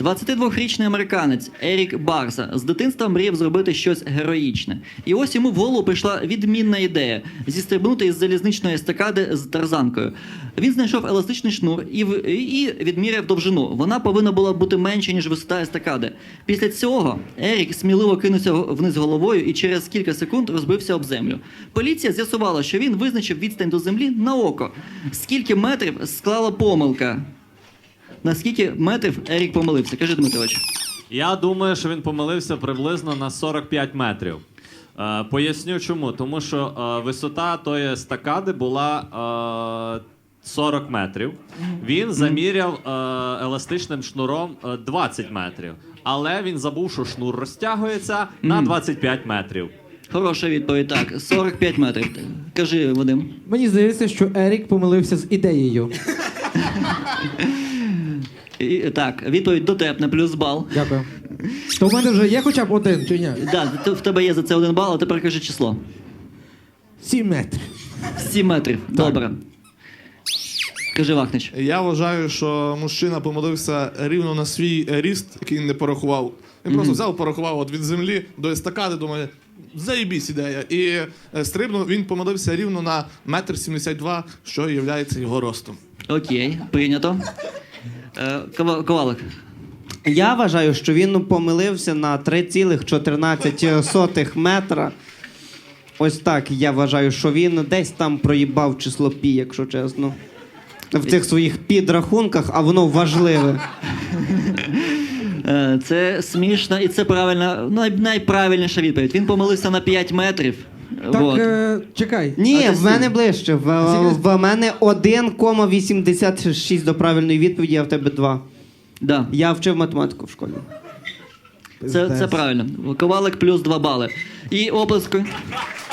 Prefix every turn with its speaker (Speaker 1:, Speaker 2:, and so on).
Speaker 1: 22-річний американець Ерік Барса з дитинства мріяв зробити щось героїчне. І ось йому в голову прийшла відмінна ідея – зістрибнути із залізничної естакади з тарзанкою. Він знайшов еластичний шнур і відміряв довжину. Вона повинна була бути менше, ніж висота естакади. Після цього Ерік сміливо кинувся вниз головою і через кілька секунд розбився об землю. Поліція з'ясувала, що він визначив відстань до землі на око. Скільки метрів склала помилка? На скільки метрів Ерік помилився? Кажи, Дмитрович.
Speaker 2: Я думаю, що він помилився приблизно на 45 метрів. Поясню чому. Тому що висота тої естакади була 40 метрів. Він заміряв еластичним шнуром 20 метрів. Але він забув, що шнур розтягується на 25 метрів.
Speaker 1: Хороша відповідь, так. 45 метрів. Кажи, Вадим.
Speaker 3: Мені здається, що Ерік помилився з ідеєю.
Speaker 1: Так, відповідь дотепна, плюс бал.
Speaker 3: Дякую. То в мене вже є хоча б один, чи ні?
Speaker 1: Так, в тебе є за це 1 бал, а тепер кажи число.
Speaker 3: 7 метрів.
Speaker 1: 7 метрів. Добре. Кажи, Вахнич.
Speaker 4: Я вважаю, що мужчина помилився рівно на свій ріст, який він не порахував. Він просто взяв, порахував от від землі до естакади, думає, заєбісь ідея. І стрибнув, він помилився рівно на 1,72 м, що є його ростом.
Speaker 1: Окей, прийнято. Ковалик.
Speaker 5: Я вважаю, що він помилився на 3,14 метра. Ось так я вважаю, що він десь там проїбав число пі, якщо чесно. В цих своїх підрахунках, а воно важливе.
Speaker 1: Це смішно і це правильна, найправильніша відповідь. Він помилився на 5 метрів.
Speaker 3: Так, чекай.
Speaker 5: Ні,
Speaker 1: А
Speaker 5: в мене ближче. В мене 1,86 до правильної відповіді, а в тебе 2.
Speaker 1: Да.
Speaker 5: Я вчив математику в школі.
Speaker 1: Це правильно. Ковалик плюс 2 бали. І оплески.